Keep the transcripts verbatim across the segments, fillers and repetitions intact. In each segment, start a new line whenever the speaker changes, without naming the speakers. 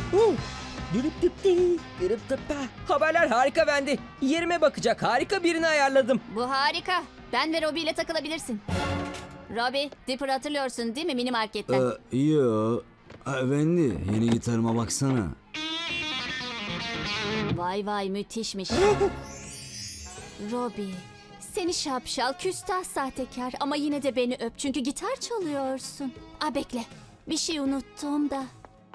Uh, dürüp düp di, dürüp düp pa. Haberler harika Wendy. Yerime bakacak harika birini ayarladım.
Bu harika. Ben ve Robbie ile takılabilirsin. Robbie, Dipper'ı hatırlıyorsun değil mi mini marketten?
Ee, yo. Ha, Wendy, yeni gitarıma baksana.
Vay vay müthişmiş. Robbie, seni şapşal, küstah sahtekar ama yine de beni öp çünkü gitar çalıyorsun. Aa bekle, bir şey unuttum da.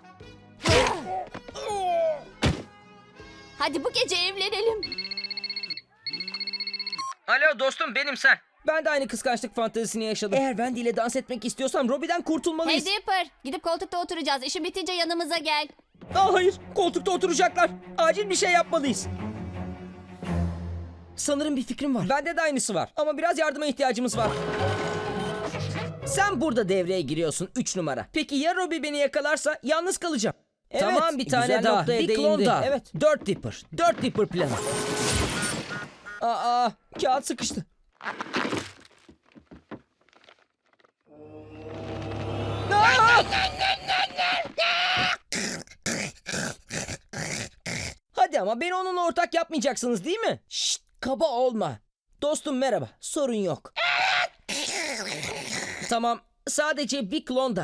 Hadi bu gece evlenelim.
Alo dostum benim sen. Ben de aynı kıskançlık fantezisini yaşadım. Eğer Wendy ile dans etmek istiyorsam Robbie'den
Hey
kurtulmalıyız.
Dipper, gidip koltukta oturacağız. İşin bitince yanımıza gel.
Aa, hayır, koltukta oturacaklar. Acil bir şey yapmalıyız. Sanırım bir fikrim var. Bende de aynısı var. Ama biraz yardıma ihtiyacımız var. Sen burada devreye giriyorsun üç numara. Peki ya Robbie beni yakalarsa yalnız kalacağım. Evet, tamam bir tane
güzel
daha.
noktaya
Bir
değindi.
klon daha. Evet. Dört Dipper. Dört Dipper planı. Aa, kağıt sıkıştı. Aa! Hadi ama beni onunla ortak yapmayacaksınız değil mi? Şşt, kaba olma. Dostum merhaba, sorun yok. Tamam, sadece bir klon da.